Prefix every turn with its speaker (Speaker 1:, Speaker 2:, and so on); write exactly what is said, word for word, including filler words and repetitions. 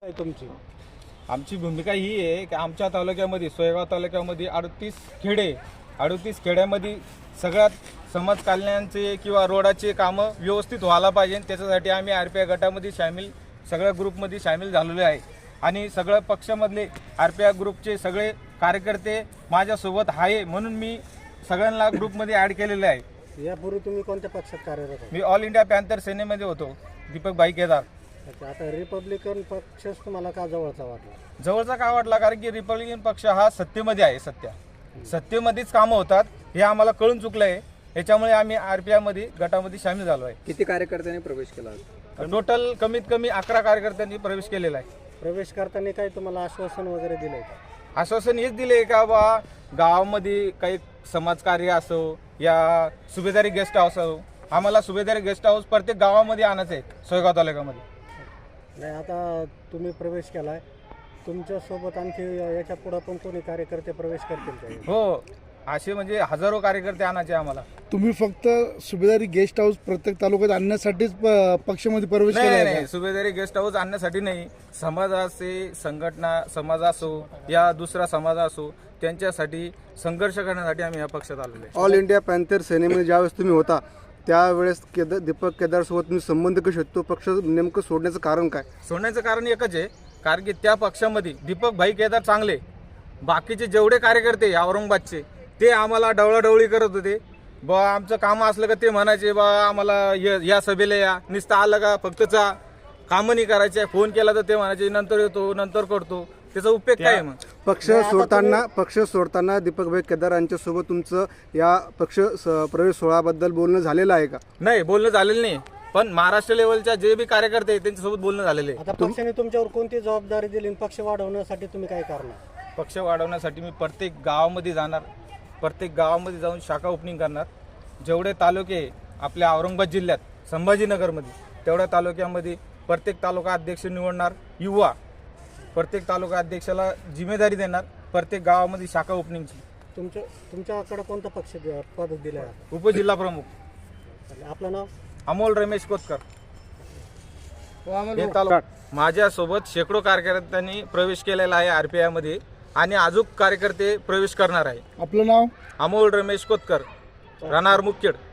Speaker 1: काय तुमची
Speaker 2: आमची भूमिका ही आहे की आमच्या तालुक्यामध्ये सोयगाव तालुक्यामध्ये अडतीस खेडे अडतीस खेड्यामध्ये सगळ्यात समाज कल्याणाचे किंवा रोडाचे कामं व्यवस्थित व्हायला पाहिजे. त्याच्यासाठी आम्ही आर पी आय गटामध्ये सामील सगळ्या ग्रुपमध्ये सामील झालेलो आहे आणि सगळ्या पक्षामधले आर पी आय ग्रुपचे सगळे कार्यकर्ते माझ्यासोबत आहे म्हणून मी सगळ्यांना ग्रुपमध्ये ॲड केलेले आहे.
Speaker 1: यापूर्वी तुम्ही कोणत्या पक्षात कार्यरत होता?
Speaker 2: मी ऑल इंडिया पॅन्थर सेनेमध्ये होतो, दीपक भाई केदार.
Speaker 1: अच्छा, आता रिपब्लिकन पक्षच तुम्हाला का जवळचा वाटला?
Speaker 2: जवळचा का वाटला कारण की रिपब्लिकन पक्ष हा सत्तेमध्ये आहे. सत्या सत्तेमध्येच कामं होतात हे आम्हाला कळून चुकलं आहे. याच्यामुळे आम्ही आर पी आयमध्ये गटामध्ये सामील झालो आहे.
Speaker 3: किती कार्यकर्त्यांनी प्रवेश केला?
Speaker 2: टोटल कमीत कमी अकरा कार्यकर्त्यांनी प्रवेश केलेला आहे.
Speaker 1: प्रवेश करताना काही तुम्हाला आश्वासन वगैरे दिलंय का?
Speaker 2: आश्वासन हेच दिले का बा गावामध्ये काही समाजकार्य असो या सुभेदारी गेस्ट हाऊस असो, आम्हाला सुभेदारी गेस्ट हाऊस प्रत्येक गावामध्ये आणायचं आहे सोयगाव तालुक्यामध्ये.
Speaker 1: नाही, आता तुम्ही प्रवेश केलाय, तुमच्यासोबत आणखी याच्या पुढे पण कोणी कार्यकर्ते प्रवेश करतील का?
Speaker 2: हो, असे म्हणजे हजारो कार्यकर्ते आणायचे आम्हाला.
Speaker 4: तुम्ही फक्त सुभेदारी गेस्ट हाऊस प्रत्येक तालुक्यात आणण्यासाठीच प- पक्षामध्ये प्रवेश
Speaker 2: नाही
Speaker 4: केला
Speaker 2: नाही
Speaker 4: आहे
Speaker 2: नाही,
Speaker 4: का?
Speaker 2: सुभेदारी गेस्ट हाऊस आणण्यासाठी नाही. समाजाचे संघटना समाज असो या दुसरा समाज असो त्यांच्यासाठी संघर्ष करण्यासाठी आम्ही या पक्षात आलेलो आहे.
Speaker 5: ऑल इंडिया पॅन्थर सेनेमध्ये ज्यावेळेस तुम्ही होता त्यावेळेस केदार दीपक केदारसोबत तुम्ही संबंध कसे होते? तो पक्ष नेमकं सोडण्याचं कारण काय?
Speaker 2: सोडण्याचं कारण एकच आहे, कारण की त्या पक्षामध्ये दीपक भाई केदार चांगले, बाकीचे जेवढे कार्यकर्ते औरंगाबादचे ते आम्हाला डवळाडवळी करत होते. बा आमचं काम असलं का ते म्हणायचे बा आम्हाला य- या सभेला या, नुसतं आलं का फक्त चा कामं नाही करायचे. फोन केला तर ते म्हणायचे नंतर येतो नंतर करतो. त्याचा उपयोग काय आहे मग?
Speaker 5: पक्ष सोडताना पक्ष सोडताना दीपकभाई केदार यांच्यासोबत तुमचं या पक्ष स- प्रवेश सोहळ्याबद्दल बोलणं झालेलं आहे का?
Speaker 2: नाही, बोलणं झालेलं नाही, पण महाराष्ट्र लेवलच्या जे बी कार्यकर्ते आहेत त्यांच्यासोबत बोलणं झालेलं आहे.
Speaker 1: आता पक्षाने तुमच्यावर कोणती जबाबदारी दिली आणि पक्ष वाढवण्यासाठी तुम्ही काय करणार?
Speaker 2: पक्ष वाढवण्यासाठी मी प्रत्येक गावामध्ये जाणार, प्रत्येक गावामध्ये जाऊन शाखा ओपनिंग करणार. जेवढे तालुके आपल्या औरंगाबाद जिल्ह्यात संभाजीनगरमध्ये तेवढ्या तालुक्यामध्ये प्रत्येक तालुका अध्यक्ष निवडणार. युवा प्रत्येक तालुका अध्यक्षाला जिम्मेदारी देणार प्रत्येक गावामध्ये शाखा ओपनिंगची.
Speaker 1: तुमच्या तुमच्याकडे कोणता पक्ष दि- पद दिलं आहे?
Speaker 2: उपजिल्हा प्रमुख
Speaker 1: आपलं नाव?
Speaker 2: अमोल रमेश कोतकर. हे तालुका माझ्यासोबत शेकडो कार्यकर्त्यांनी प्रवेश केलेला आहे आर पी आयमध्ये आणि अजून कार्यकर्ते प्रवेश करणार आहे.
Speaker 4: आपलं नाव?
Speaker 2: अमोल रमेश कोतकर, राहणार मुखेड.